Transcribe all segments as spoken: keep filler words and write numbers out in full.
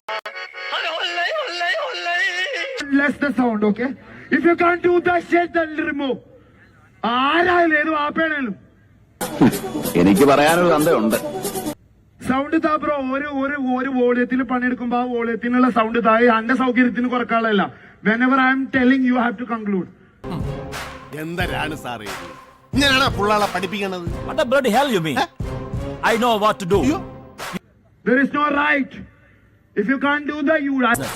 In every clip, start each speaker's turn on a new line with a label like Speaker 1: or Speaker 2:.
Speaker 1: Less the sound, okay? If you can't do that shit, then remove. ആരായാലും ഏത് വാപ്പയാണേലും
Speaker 2: എനിക്ക് പറയാനൊരു തന്തയുണ്ട്.
Speaker 1: സൗണ്ട് താ ബ്രോ. ഒരു ഒരു ഒരു വോളിയത്തിൽ പണിയെടുക്കുമ്പോ ആ വോളിയത്തിനുള്ള സൗണ്ട് താഴെ എന്റെ സൗകര്യത്തിന് കുറക്കാളല്ല. Whenever I am telling you have to conclude.
Speaker 3: എന്തരാണ് സാറേ ഞാനാണ് പുള്ളാളെ പഠിപ്പിക്കണത്?
Speaker 4: What the bloody hell you mean? I know what to do.
Speaker 1: There is no right. If you can't do that, you.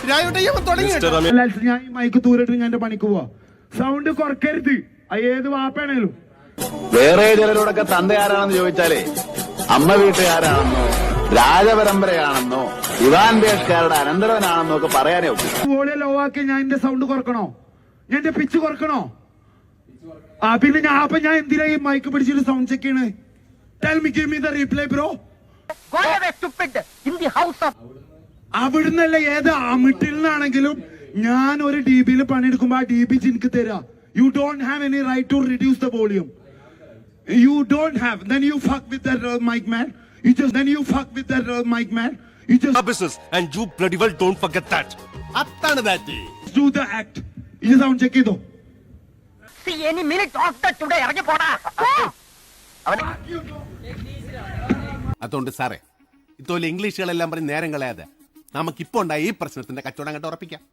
Speaker 1: ഞാൻ ഈ മൈക്ക് തൂരിട്ട് ഞാൻ എന്റെ പണിക്ക് പോവാ. സൗണ്ട് കുറക്കരുത്. ഏത് വാപ്പയാണേലും.
Speaker 2: വേറെ ചിലരോടൊക്കെ തന്തയാരാണെന്ന് ചോദിച്ചാലേ അമ്മ വീട്ടുകാരാണെന്നോ രാജപരമ്പരയാണെന്നോ ഇവാൻ ബേഷ്കാരുടെ അനന്തരവനാണെന്നോ ഒക്കെ പറയാനേ ഒക്കും.
Speaker 1: വോളിയം ലോ ആക്കി ഞാൻ എന്റെ സൗണ്ട് കുറക്കണോ? ഞാൻ എന്റെ പിച്ച് കുറക്കണോ? ആ പിന്നെ ഞാൻ അപ്പൊ ഞാൻ എന്തിനാ ഈ മൈക്ക് പിടിച്ചിട്ട് സൗണ്ട് ചെക്ക് ചെയ്യണേ? Tell me, give me the replay, bro.
Speaker 5: Go away, stupid! In the house of...
Speaker 1: അവിടുന്നല്ല ഏത് അമിട്ടിൽ നിന്നാണെങ്കിലും ഞാൻ ഒരു ഡി ബിയിൽ പണിയെടുക്കുമ്പോ ആ ഡി ബി എനിക്ക് തരാം. You don't have any right to reduce the volume. You don't have. Then you fuck with that uh, mic man. You just then you fuck with that uh, mic man. You just
Speaker 3: business and you bloody well don't forget that. അതാണ് that.
Speaker 1: Do the act. ഇത് sound check ചെയ്തോ.
Speaker 5: See any minute after today, ഇറങ്ങി പോടാ.
Speaker 3: അതുകൊണ്ട് സാറേ ഇതുപോലെ ഇംഗ്ലീഷുകളെല്ലാം പറഞ്ഞ് നേരം കളയാതെ നമുക്കിപ്പോ ഉണ്ടായ ഈ പ്രശ്നത്തിന്റെ കച്ചവടം അങ്ങോട്ട് ഉറപ്പിക്കാം.